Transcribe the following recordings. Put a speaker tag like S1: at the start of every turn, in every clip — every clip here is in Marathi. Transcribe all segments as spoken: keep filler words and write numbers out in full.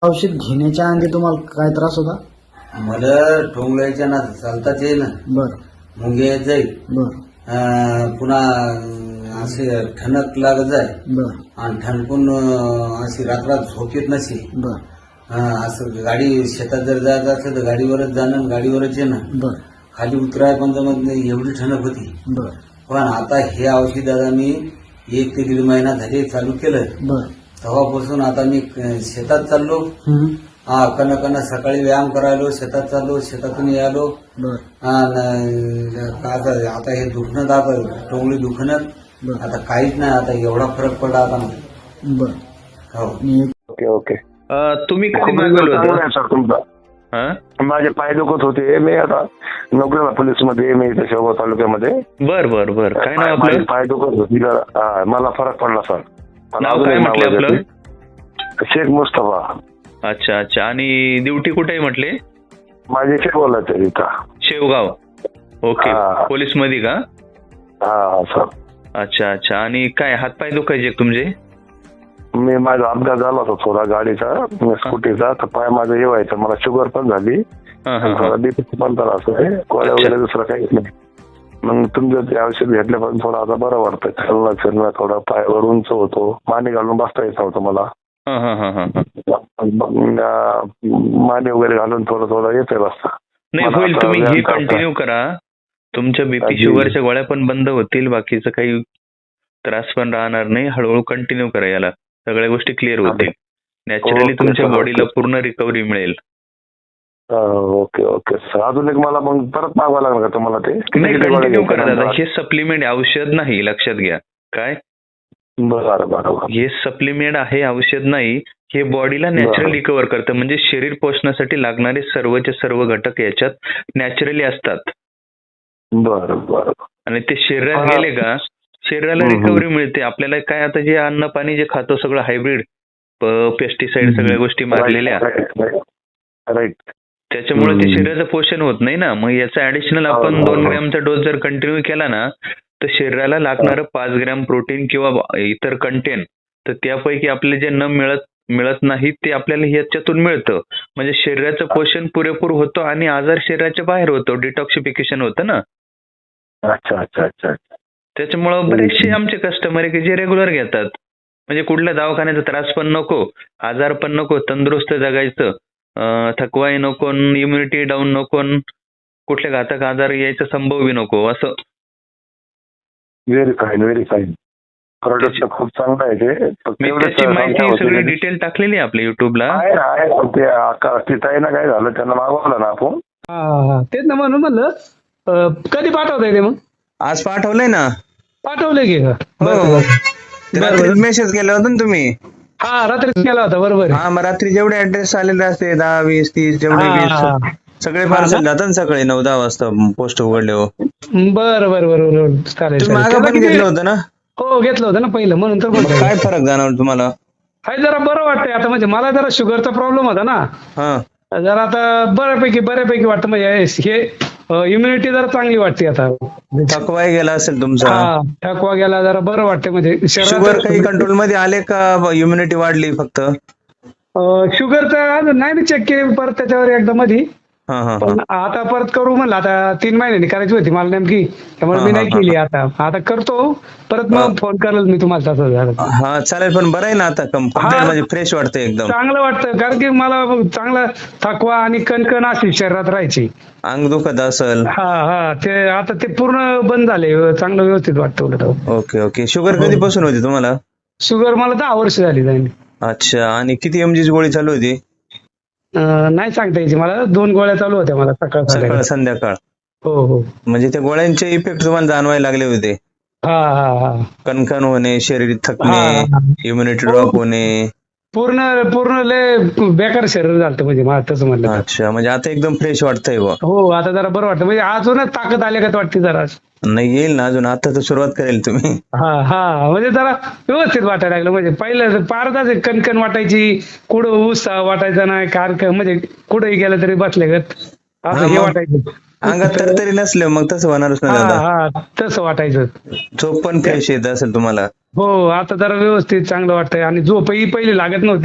S1: औषध घेण्याच्या आधी तुम्हाला काय त्रास होता?
S2: मला ठोंगलायच्या ना चालताच येईल ना,
S1: बर
S2: मुंगे येत जाईल,
S1: बर
S2: अं, पुन्हा अं, असे ठणक लागत जाय
S1: बर
S2: आणि ठणकून अं, अशी रात्रात झोप येत नसे.
S1: बर
S2: अं, असं गाडी शेतात जर जायचं असलं तर गाडीवरच जाणं आणि गाडीवरच येणं.
S1: बर
S2: खाली उतराय पण जमत नाही, एवढी ठणक होती.
S1: बर
S2: पण आता हे औषध दादा मी एक ते दीड महिना झाले चालू केलं.
S1: बर
S2: तेव्हापासून आता मी अं, शेतात चाललो.
S1: हम्म.
S2: हा कन कन सकाळी व्यायाम करायलो, शेतात चाललो, शेतातून यायलो.
S1: बर
S2: आणि आता आता हे दुखणं आता टोंगळी दुखणं
S1: बर
S2: आता काहीच नाही. आता एवढा फरक पडला आता मला.
S1: बर
S2: हो
S1: आणि एक-
S3: ओके ओके
S4: अ, तुम्ही कधी
S3: खूप
S4: मागवलं
S3: चांगला
S4: होतं?
S3: आहे सर तुमचा.
S4: हा?
S3: माझे पाय दुखत होते. मी आता नोकरीला पोलीसमध्ये मी इथे शेवगाव तालुक्यामध्ये.
S4: बर बर बर काय नाव
S3: माझे
S4: आपलं?
S3: पाय दुखत होते जरा, हा, मला फरक पडला सर. मला
S4: नाव
S3: अजून
S4: काय
S3: एक
S4: म्हटलं
S3: नाव
S4: आपलं?
S3: आहे. शेख मुस्तफा.
S4: अच्छा अच्छा. आणि ड्युटी कुठे आहे म्हटले?
S3: माझे शेवगावला आहे इथं.
S4: शेवगाव. ओके.
S3: हा.
S4: पोलीस मध्ये का?
S3: हा हा सर.
S4: अच्छा अच्छा. आणि काय हातपाय दुखायचे का तुमचे?
S3: मी माझा अपघात झाला होता थोडा गाडीचा, स्कूटीचा, तर पाय माझं हे व्हायचं. मला शुगर पण झाली,
S4: हा हा हा.
S3: बीपी पण त्रास आहे, गोळ्या
S4: अच्छा.
S3: वगैरे दुसरं काहीच नाही. मग तुमचं ते औषध घेतल्यापासून थोडं आता बरं वाटतं. चालणं फिरणं थोडं, पायावर उंच होतो, माने घालून बसता येत नव्हतं मला.
S4: हा हा हा हा हा.
S3: मग, अं, माने वगैरे घालून थोडं थोडं येते बसता.
S4: नाही
S3: मला
S4: होईल.
S3: आता
S4: तुम्ही हे
S3: व्यायाम करता.
S4: कंटिन्यू करा. तुमच्या बीपी
S3: अगदी.
S4: शुगरच्या गोळ्या पण बंद होतील, बाकीचं काही त्रास पण राहणार नाही. हळूहळू कंटिन्यू करा याला, सगळ्या गोष्टी क्लिअर होतील. नॅचरली
S3: ओके,
S4: तुमच्या
S3: सर,
S4: बॉडीला
S3: ओके.
S4: पूर्ण रिकव्हरी मिळेल.
S3: अं, ओके ओके सर. अजून एक मला मग परत मागवा लागणार का तुम्हाला ते? किती
S4: नाही
S3: किती गोळ्या
S4: कंटिन्यू
S3: घ्यायच्या
S4: करा दादा.
S3: नंतर?
S4: हे सप्लिमेंट औषध नाही, लक्षात घ्या. काय?
S3: बरं बरं.
S4: हे सप्लिमेंट आहे, औषध नाही. हे बॉडीला नॅचरल
S3: बरं.
S4: रिकव्हर करतं. म्हणजे शरीर पोषणासाठी लागणारे सर्वचे सर्व घटक याच्यात नॅचरली असतात.
S3: बरं बरं.
S4: आणि ते शरीरात
S3: हा.
S4: गेले का शरीराला
S3: हम्म, हम्म.
S4: रिकव्हरी मिळते. आपल्याला काय आता जे अन्न पाणी जे खातो सगळं हायब्रिड, पेस्टिसाइड,
S3: हम्म.
S4: सगळ्या गोष्टी मारलेल्या,
S3: राईट.
S4: त्याच्यामुळे ते
S3: हम्म.
S4: शरीराचं पोषण होत नाही ना. मग याचा ऍडिशनल
S3: हो,
S4: आपण
S3: हो,
S4: दोन
S3: हो.
S4: ग्रॅमचा डोस जर कंटिन्यू केला ना, तर शरीराला लागणारं पाच ग्रॅम प्रोटीन किंवा इतर कंटेन, तर त्यापैकी आपले जे न मिळत मिळत नाही ते आपल्याला याच्यातून मिळतं. म्हणजे शरीराचं पोषण पुरेपूर होतं आणि आजार शरीराच्या बाहेर होतो, डिटॉक्सिफिकेशन होतं ना.
S3: अच्छा अच्छा अच्छा.
S4: त्याच्यामुळं बरेचसे आमचे कस्टमर आहे की जे रेग्युलर घेतात. म्हणजे कुठल्या दवाखान्याचा त्रास पण नको, आजार पण नको, तंदुरुस्त जगायचं, अं, थकवाही नको, इम्युनिटी डाऊन नको, कुठल्या घातक आजार यायचा संभव बी नको असं.
S3: Very fine very fine. Product खूप चांगलं आहे ते. फक्त
S4: मी
S3: एवढंच
S4: त्याची माहिती
S3: सांगा
S4: सगळी
S3: होती.
S4: डिटेल टाकलेली आहे आपल्या युट्यूबला.
S3: आहे आहे. ते आका- ते ताईनं काय झालं, त्यांना मागवलं ना आपण.
S5: हा हा तेच ना म्हणून म्हणलं अं, कधी पाठवताय ते? मग
S6: आज पाठवलंय ना.
S5: पाठवलंय की का?
S6: हो
S5: बरं,
S6: हो.
S5: बरं.
S6: ते
S5: बरं,
S6: रात्री
S5: बरं.
S6: मेसेज केला होता ना तुम्ही.
S5: हा रात्रीच केला होता बरोबर आहे.
S6: हा मग रात्री जेवढे ऍड्रेस आलेले असते दहा वीस तीस जेवढे
S5: हा,
S6: वीस
S5: हा.
S6: सगळे
S5: हा
S6: पार्सल
S5: ना?
S6: जातात ना सकाळी नऊ दहा वाजता पोस्ट उघडले हो.
S5: बरं बरं बरं बरं चालेल
S6: तुम्ही
S5: चालेल.
S6: मागं
S5: त्याला
S6: पण
S5: किती-
S6: घेतलं होतं ना.
S5: हो घेतलं होतं ना पहिलं, म्हणून तर
S6: मग
S5: बोलतोय.
S6: काय फरक जाणवला तुम्हाला?
S5: हाय जरा बरं वाटतंय आता. म्हणजे मला जरा शुगरचा प्रॉब्लेम होता ना,
S6: हा
S5: जरा आता बऱ्यापैकी बऱ्यापैकी वाटतं. म्हणजे हे इम्युनिटी जरा चांगली वाटते आता.
S6: थकवाही गेला असेल तुमचा.
S5: हा थकवा गेला, जरा बरं वाटतं. म्हणजे
S6: शुगर काही
S5: शरीरात
S6: कंट्रोल मध्ये आले का इम्युनिटी वाढली फक्त?
S5: शुगरचा अजून नाही मी चेक केली परत त्याच्यावर एकदा मधी.
S6: हा हा
S5: पण आता परत करू म्हणलं, आता तीन महिन्यांनी करायची होती मला नेमकी, त्यामुळे मी
S6: हा,
S5: नाही
S6: हा,
S5: केली. आता आता करतो परत,
S6: हा.
S5: मग फोन करेल मी तुम्हाला तसं झालं.
S6: हा चालेल. पण बरं आहे ना आता, कम्प्लीट म्हणजे फ्रेश वाटतं एकदम.
S5: चांगलं वाटतं, कारण की मला चांगला थकवा आणि कणकण अशी शरीरात राहायची.
S6: अंग दुखत असेल.
S5: हा हा ते आता ते पूर्ण बंद झाले. चांगलं व्यवस्थित वाटतं उलट.
S6: Okay okay. शुगर कधीपासून होती तुम्हाला?
S5: शुगर मला दहा वर्ष झाली जाईल.
S6: अच्छा. आणि किती एमजीची गोळी चालू होती?
S5: अं, नाही सांगता यायची मला. दोन गोळ्या चालू होत्या मला सकाळ
S6: सकाळ
S5: संध्याकाळ.
S6: संध्याकाळ.
S5: हो हो.
S6: म्हणजे त्या गोळ्यांचे इफेक्ट तुम्हाला जाणवायला लागले होते.
S5: हा हा हा
S6: कणकण होणे, शरीर
S5: हा,
S6: थकणे,
S5: हा.
S6: इम्युनिटी
S5: हो.
S6: ड्रॉप होणे.
S5: पूर्ण पूर्ण लय बेकार शरीर झालं म्हणजे मला तसं म्हणलं तर.
S6: अच्छा. म्हणजे आता एकदम फ्रेश वाटतंय बुवा.
S5: हो आता जरा बरं वाटतं. म्हणजे अजूनच ताकद आल्यागत वाटते जरा.
S6: नाही येईल ना अजून. आता तर सुरुवात करेल तुम्ही.
S5: हा हा म्हणजे जरा व्यवस्थित वाटायला लागलं. म्हणजे पहिलं पारदाच कणकण वाटायची, कुठं उत्साह वाटायचा नाही, कार म्हणजे कुठेही गेलं तरी बसल्यागत असं
S6: हा,
S5: हे
S6: मग
S5: वाटायचं.
S6: अंगात तरतरी नसले मग तसं होणारच
S5: हा
S6: नाही दादा.
S5: हा तसं वाटायचं.
S6: झोप पण फ्रेश येत असेल तुम्हाला.
S5: हो आता जरा व्यवस्थित चांगलं वाटतंय. आणि झोपही पहिली लागत नव्हती,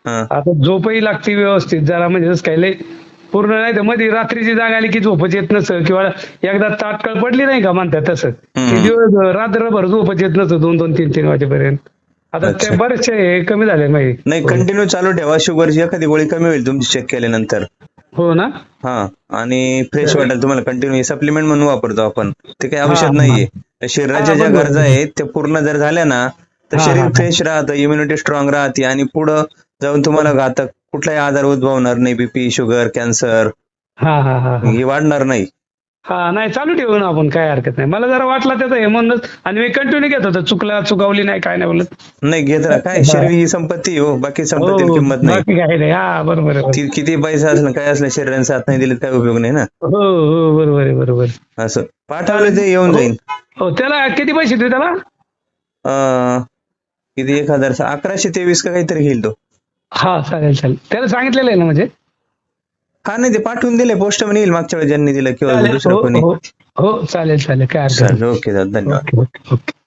S6: हा.
S5: आता झोपही लागते व्यवस्थित जरा, म्हणजे जसं काय लय पूर्ण नाही तर मध्ये रात्रीची जाग आली की झोपच येत नसतं, किंवा एकदा ताटकळ पडली नाही का म्हणतात तसं, ते दिवस रात्रभर झोपच येत नसतं दोन दोन तीन तीन वाजेपर्यंत. आता
S6: अच्छा.
S5: ते बरेचसे हे कमी झाले माहिती.
S6: नाही कंटिन्यू चालू ठेवा, शुगरची एखादी गोळी कमी होईल तुमची चेक केल्यानंतर.
S5: हो ना.
S6: हा, आणि फ्रेश वाटेल तुम्हाला. कंटिन्यू सप्लिमेंट म्हणून वापरतो आपण, ते काही औषध
S5: हा,
S6: नाहीये. शरीराच्या
S5: हा,
S6: ज्या
S5: बरोबर.
S6: गरजा आहेत त्या पूर्ण जर झाल्या ना तर
S5: हा,
S6: शरीर
S5: हा.
S6: फ्रेश राहतं, इम्युनिटी स्ट्रॉंग राहते, आणि पुढं जाऊन तुम्हाला घातक कुठलाही आजार उद्भवणार नाही. बीपी, शुगर, कॅन्सर
S5: हा हा हा हा.
S6: हे वाढणार नाही.
S5: हा नाही चालू ठेवू ना आपण, काय हरकत नाही. मला जरा वाटलं त्याचं हे म्हणूनच, आणि मी कंटिन्यू घेत होतो, चुकला चुकावली नाही काय नाही बोलत.
S6: नाही घेत राहा, काय शरीर ही संपत्ती हो, बाकी संपत्तीला
S5: हो,
S6: किंमत नाही.
S5: बाकी काय नाही. हा बरोबर आहे.
S6: ती किती पैसा असलं काय असलं, शरीराने साथ नाही दिली काय उपयोग नाही ना.
S5: हो हो बरोबर आहे बरोबर.
S6: असं पाठवलं ते येऊन जाईल.
S5: हो त्याला किती पैसे देऊ त्याला?
S6: अं, किती एक हजार अकराशे तेवीस का काहीतरी घेईल तो.
S5: हा चालेल चालेल. त्याला सांगितलेलं आहे ना म्हणजे?
S6: हा नाही ते पाठवून दिले, पोस्टमन येईल मागच्या वेळेस ज्यांनी दिलं किंवा
S5: चालेल.
S6: दुसरं
S5: हो
S6: कोणी.
S5: हो हो चालेल चालेल काय हरकत
S6: चालेल, ओके दादा, धन्यवाद.
S5: नाही. Okay okay.